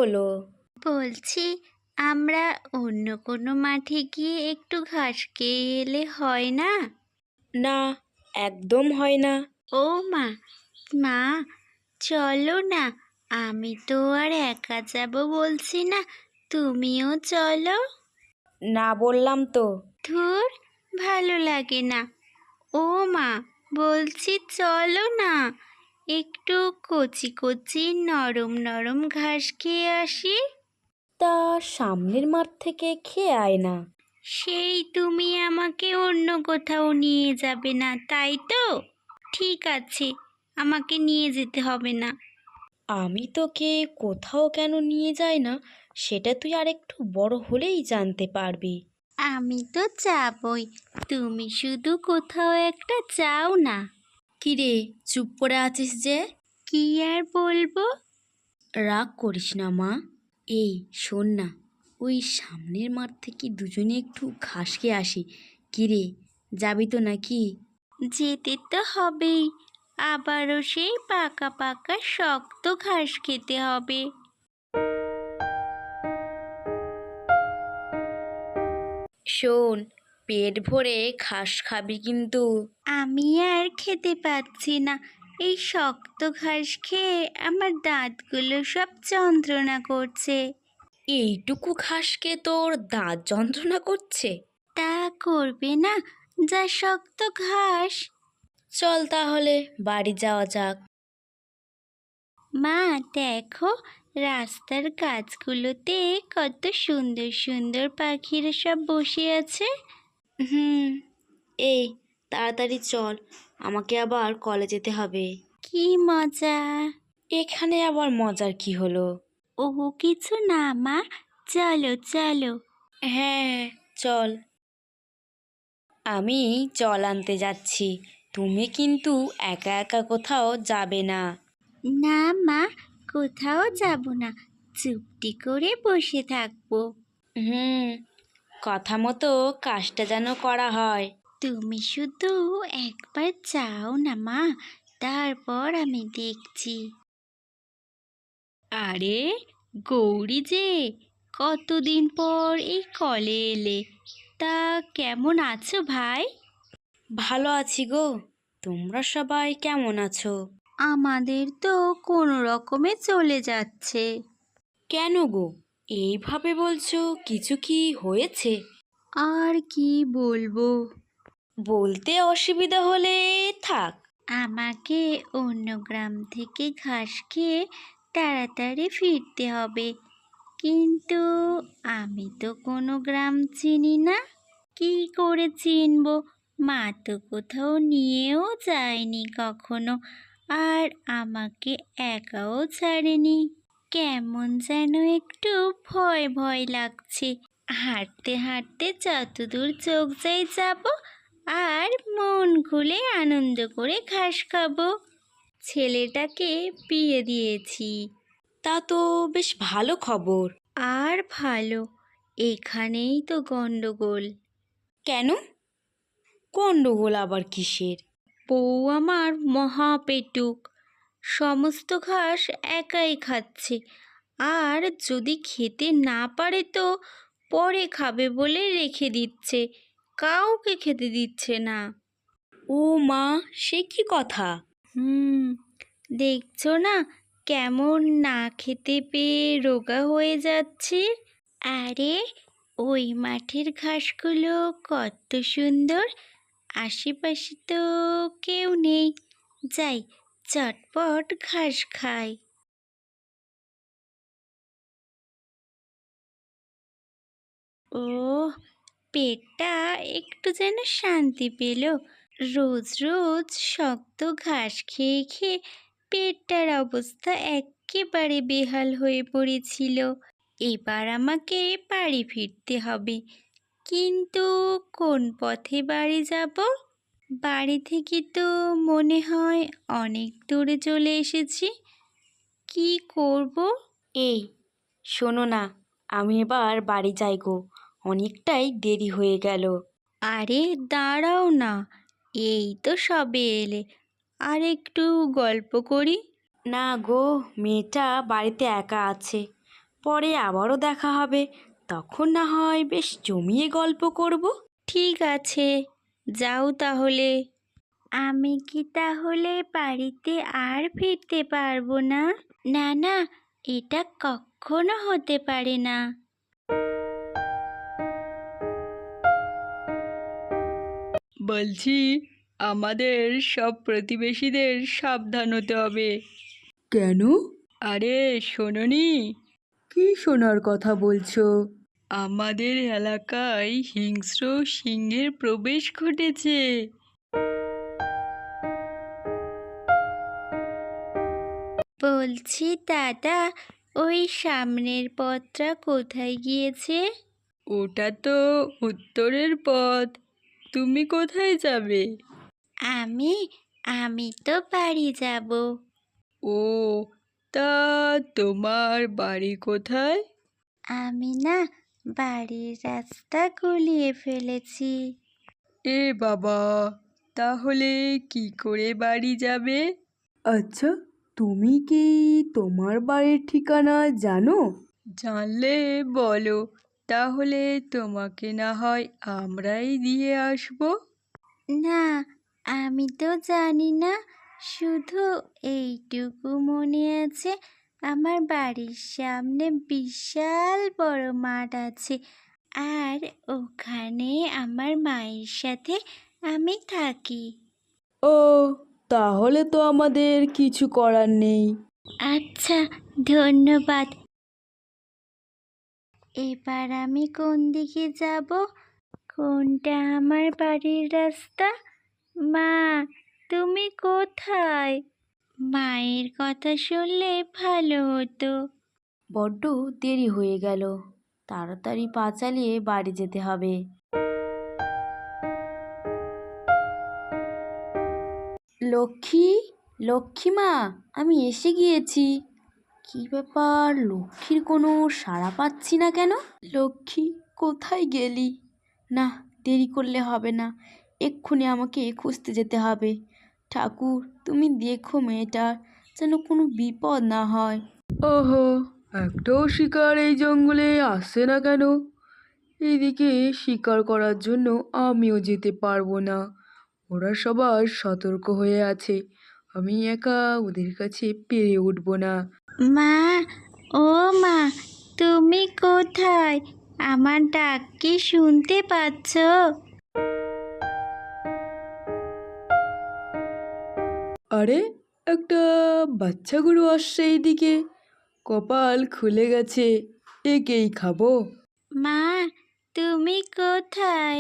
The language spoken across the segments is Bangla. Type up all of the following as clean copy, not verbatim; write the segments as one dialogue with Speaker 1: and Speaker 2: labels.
Speaker 1: হলো?
Speaker 2: বলছি, আমরা অন্য কোনো মাঠে গিয়ে একটু ঘাস খেয়ে এলে হয় না?
Speaker 1: না, একদম হয় না।
Speaker 2: ও মা, মা, চলো না। আমি তো আর একা যাব বলছি না, তুমিও চলো।
Speaker 1: না বললাম তো।
Speaker 2: ধুর, ভালো লাগে না। ও মা, বলছি চলো না, একটু কচি কচি নরম নরম ঘাস খেয়ে আসি।
Speaker 1: তা সামনের মাঠ থেকে খেয়ে আয় না।
Speaker 2: সেই তুমি আমাকে অন্য কোথাও নিয়ে যাবে না, তাই তো? ঠিক আছে, আমাকে নিয়ে যেতে হবে না।
Speaker 1: আমি তোকে কোথাও কেন নিয়ে যাই না সেটা তুই আরেকটু বড় হলেই জানতে পারবি।
Speaker 2: আমি তো যাবই, তুমি শুধু কোথাও একটা যাও না।
Speaker 1: কিরে, চুপ করে আছিস যে?
Speaker 2: কি আর বলবো?
Speaker 1: রাগ করিস না মা। এই শোন না, ওই সামনের মাঠ থেকে দুজনে একটু ঘাস খেয়ে আসি। কিরে, যাবি তো নাকি?
Speaker 2: যেতে তো হবেই, আবারও সেই পাকা পাকা শক্ত ঘাস খেতে হবে।
Speaker 1: শোন, পেট ভরে ঘাস খাবি কিন্তু।
Speaker 2: আমি আর খেতে পাচ্ছি না, এই শক্ত ঘাস খেয়ে আমার দাঁতগুলো সব যন্ত্রণা করছে।
Speaker 1: এইটুকু ঘাসকে তোর দাঁত যন্ত্রণা করছে?
Speaker 2: তা করবে না, যা শক্ত ঘাস।
Speaker 1: চল তাহলে বাড়ি যাওয়া যাক।
Speaker 2: মা, দেখো, রাস্তার গাছগুলোতে কত সুন্দর সুন্দর পাখিরা সব বসে আছে।
Speaker 1: হুম, এই তাড়াতাড়ি চল, আমাকে আবার কলেজে যেতে হবে।
Speaker 2: কি মজা!
Speaker 1: এখানে আবার মজার কি হলো?
Speaker 2: ও কিছু না মা, চলো চলো।
Speaker 1: হ্যাঁ, চল। আমি জল আনতে যাচ্ছি, তুমি কিন্তু একা একা কোথাও যাবে না।
Speaker 2: না মা, কোথাও যাব না, চুপটি করে বসে থাকবো।
Speaker 1: হুম, কথা মতো কাজটা যেন করা হয়।
Speaker 2: তুমি শুধু একবার যাও না মা, তারপর আমি দেখছি। আরে, গৌরী যে, কতদিন পর এই কলে এলে, তা কেমন আছো ভাই?
Speaker 1: ভালো আছি গো, তোমরা সবাই কেমন আছো?
Speaker 2: আমাদের তো কোনো রকমে চলে যাচ্ছে।
Speaker 1: কেন গো, এইভাবে বলছো? কিছু কি হয়েছে?
Speaker 2: আর কি বলবো?
Speaker 1: বলতে অসুবিধা হলে থাক।
Speaker 2: আমাকে অন্য গ্রাম থেকে ঘাস খেয়ে তাড়াতাড়ি ফিরতে হবে, কিন্তু আমি তো কোনো গ্রাম চিনি না। কি করে চিনবো? মা তো কোথাও নিয়েও যায়নি কখনো, আর আমাকে একাও ছাড়েনি। কেমন যেন একটু ভয় ভয় লাগছে। হাঁটতে হাঁটতে যতদূর চোখ যাই যাব, আর মন খুলে আনন্দ করে ঘাস খাবো। ছেলেটাকে বিয়ে দিয়েছি।
Speaker 1: তা তো বেশ ভালো খবর।
Speaker 2: আর ভালো, এখানেই তো গন্ডগোল।
Speaker 1: কেন? গন্ডগোল আবার কিসের?
Speaker 2: বউ আমার মহা পেটুক, সমস্ত ঘাস একাই খাচ্ছে, আর যদি খেতে না পারে তো পরে খাবে বলে রেখে দিচ্ছে, কাউকে খেতে দিচ্ছে না।
Speaker 1: ও মা, সে কি কথা?
Speaker 2: হুম, দেখছো না কেমন না খেতে পেয়ে রোগা হয়ে যাচ্ছে? আরে, ওই মাঠের ঘাসগুলো কত সুন্দর, আশেপাশে তো কেউ নেই, যাই চটপট ঘাস খাই। ও, পেটটা একটু যেন শান্তি পেল। রোজ রোজ শক্ত ঘাস খেয়ে খেয়ে পেটটার অবস্থা একেবারে বেহাল হয়ে পড়েছিল। এবার আমাকে বাড়ি ফিরতে হবে, কিন্তু কোন পথে বাড়ি যাব? বাড়ি থেকে তো মনে হয় অনেক দূরে চলে এসেছি। কি করব?
Speaker 1: এই শোনো না, আমি এবার বাড়ি যাই গো, অনেকটাই দেরি হয়ে গেল।
Speaker 2: আরে দাঁড়াও না, এই তো সবে এলে, আর একটু গল্প করি।
Speaker 1: না গো, মেয়েটা বাড়িতে একা আছে, পরে আবারও দেখা হবে, তখন না হয় বেশ জমিয়ে গল্প করব।
Speaker 2: ঠিক আছে, যাও তাহলে। আমি কি তাহলে বাড়িতে আর ফিরতে পারবো না? না না, এটা কখনো হতে পারে না।
Speaker 3: বলছি, আমাদের সব প্রতিবেশীদের সাবধান হতে হবে।
Speaker 1: কেন?
Speaker 3: আরে শোনোনি,
Speaker 1: কি শোনার কথা বলছো?
Speaker 3: আমাদের এলাকায় হিংস্র সিংহের প্রবেশ ঘটেছে।
Speaker 2: বলছি দাদা, ওই সামনের পথটা কোথায় গিয়েছে?
Speaker 3: ওটা তো উত্তরের পথ। তুমি কোথায় যাবে?
Speaker 2: আমি আমি তো বাড়ি যাব।
Speaker 3: ও, তা তোমার বাড়ি কোথায়?
Speaker 2: আমি না বাড়ির রাস্তা গুলিয়ে ফেলেছি।
Speaker 3: এ বাবা, তাহলে কি করে বাড়ি যাবে?
Speaker 1: আচ্ছা, তুমি কি তোমার বাড়ির ঠিকানা জানো?
Speaker 3: জানলে বলো, তাহলে তোমাকে না হয় আমরাই দিয়ে আসবো।
Speaker 2: না, আমি তো জানি না, শুধু এইটুকু মনে আছে, আমার বাড়ির সামনে বিশাল বড় মাঠ আছে, আর ওখানে আমার মায়ের সাথে আমি থাকি।
Speaker 1: ও, তাহলে তো আমাদের কিছু করার নেই।
Speaker 2: আচ্ছা, ধন্যবাদ। এবার আমি কোন দিকে যাব? কোনটা আমার বাড়ির রাস্তা? মা, তুমি কোথায়? মায়ের কথা শুনলে ভালো হতো।
Speaker 1: বড্ড দেরি হয়ে গেল, তাড়াতাড়ি পা চালিয়ে বাড়ি যেতে হবে। লক্ষ্মী, লক্ষ্মী মা, আমি এসে গিয়েছি। কি ব্যাপার, লক্ষ্মীর কোনো সাড়া পাচ্ছি না কেন? লক্ষ্মী, কোথায় গেলি? না, দেরি করলে হবে না, এক্ষুনি আমাকে খুঁজতে যেতে হবে। ঠাকুর, তুমি দেখো মেয়েটার যেন কোনো বিপদ না হয়। ওহো, একটাও শিকার এই জঙ্গলে আসছে না কেন? এদিকে শিকার করার জন্য আমিও যেতে পারবো না। ওরা সবাই সতর্ক হয়ে আছে, আমি একা ওদের কাছে পেরে উঠবো না।
Speaker 2: মা, ও মা, তুমি কোথায়? আমার ডাক কি শুনতে পাচ্ছ?
Speaker 1: আরে, একটা বাচ্চা গরু আসছে এইদিকে, কপাল খুলে গেছে, একেই খাবো।
Speaker 2: মা, তুমি কোথায়?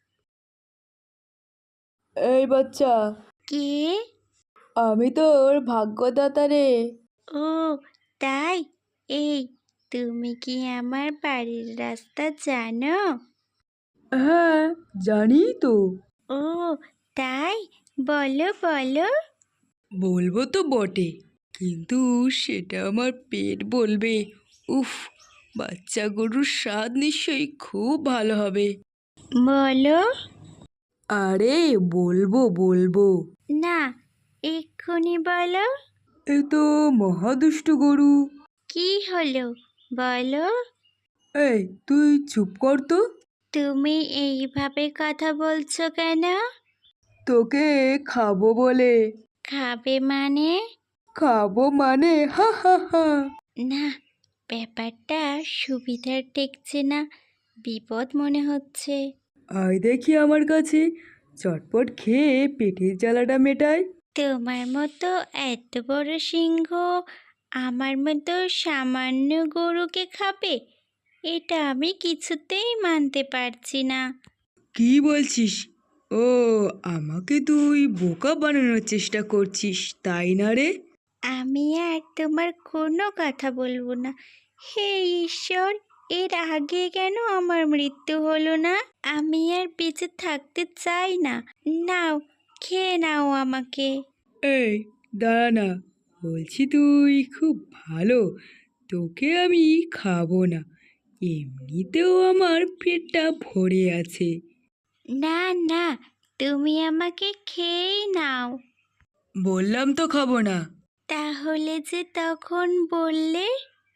Speaker 1: এই বাচ্চা,
Speaker 2: কে?
Speaker 1: আমি তোর ভাগ্যদাতা রে।
Speaker 2: ও, তাই? এই, তুমি কি আমার বাড়ির রাস্তা জানো?
Speaker 1: হ্যাঁ, জানি তো।
Speaker 2: ও, তাই? বলো বলো।
Speaker 3: বলবো তো বটে, কিন্তু সেটা আমার পেট বলবে। উফ, বাচ্চা গরুর স্বাদ নিশ্চয়ই খুব ভালো হবে।
Speaker 2: বলো।
Speaker 1: আরে বলবো বলবো।
Speaker 2: না, এক্ষুনি বলো।
Speaker 1: এ তো মহাদুষ্ট গরু।
Speaker 2: কি হলো, বলো।
Speaker 1: এই, তুই চুপ কর তো।
Speaker 2: তুমি এইভাবে কথা বলছো কেন?
Speaker 1: তোকে খাবো বলে।
Speaker 2: খাবে মানে?
Speaker 1: খাবো মানে, হা হা হা।
Speaker 2: না, ব্যাপারটা সুবিধার ঠেকছে না, বিপদ মনে হচ্ছে।
Speaker 1: আয় দেখি আমার কাছে, চটপট খেয়ে পেটের জ্বালাটা মেটাই।
Speaker 2: তোমার মতো এত বড় সিংহ আমার মতো সামান্য গরুকে খাবে? এটা আমি কিছুতেই মানতে পারছি না।
Speaker 3: কি বলছিস? ও, আমাকে তুই বোকা বানানোর চেষ্টা করছিস, তাই না রে?
Speaker 2: আমি আর তোমার কোনো কথা বলবো না। হে ঈশ্বর, এর আগে কেন আমার মৃত্যু হলো না? আমি আর বেঁচে থাকতে চাই না। নাও, খেয়ে নাও আমাকে।
Speaker 3: এই, দাঁড়া না, বলছি তুই খুব ভালো, তোকে আমি খাবো না, এমনিতেও আমার পেটটা ভরে আছে।
Speaker 2: না না, তুমি আমাকে খেয়েই নাও।
Speaker 3: বললাম তো খাবো না।
Speaker 2: তাহলে যে তখন বললে?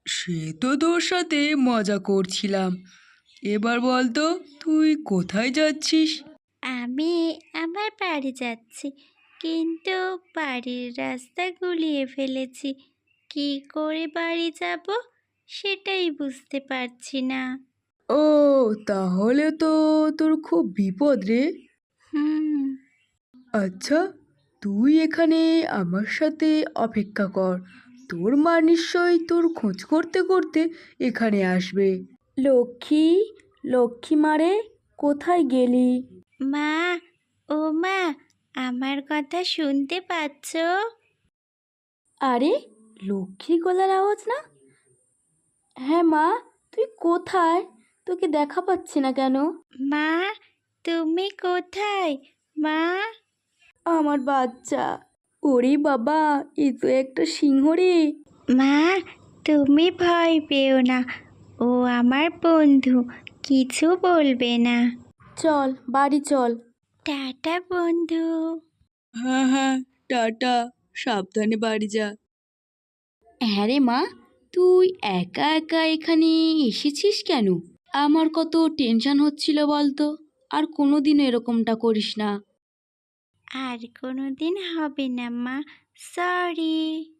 Speaker 3: সে তো তোর সাথে মজা করছিলাম। এবার বল তো তুই কোথায় যাচ্ছিস?
Speaker 2: আমি আমার বাড়ি যাচ্ছি, কিন্তু বাড়ির রাস্তা গুলিয়ে ফেলেছি। কি করে বাড়ি যাব সেটাই বুঝতে পারছি না।
Speaker 3: ও, তাহলে তো তোর খুব বিপদ রে।
Speaker 2: হুম।
Speaker 3: আচ্ছা, তুই এখানে আমার সাথে অপেক্ষা কর। তোর মা নিশ্চয়ই তোর খোঁজ করতে করতে এখানে আসবে।
Speaker 1: লক্ষ্মী, লক্ষ্মী মারে, কোথায় গেলি?
Speaker 2: মা, ও মা, আমার কথা শুনতে পাচ্ছ?
Speaker 1: আরে, লক্ষ্মীর গলার আওয়াজ না? হ্যাঁ মা, তুই কোথায়? তোকে দেখা পাচ্ছি না কেন?
Speaker 2: মা, তুমি কোথায়? মা।
Speaker 1: আমার বাচ্চা। ওরে বাবা, এ তো একটা সিংহ রে।
Speaker 2: মা, তুমি ভয় পেও না, ও আমার বন্ধু, কিছু বলবে না।
Speaker 1: চল বাড়ি চল।
Speaker 2: টাটা বন্ধু।
Speaker 3: হ্যাঁ হ্যাঁ, টাটা, সাবধানে বাড়ি যা।
Speaker 1: হ্যাঁ রে মা, তুই একা একা এখানে এসেছিস কেন? আমার কত টেনশন হচ্ছিল বলতো। আর কোনোদিনও এরকমটা করিস না।
Speaker 2: আর কোনোদিন হবে না মা, সরি।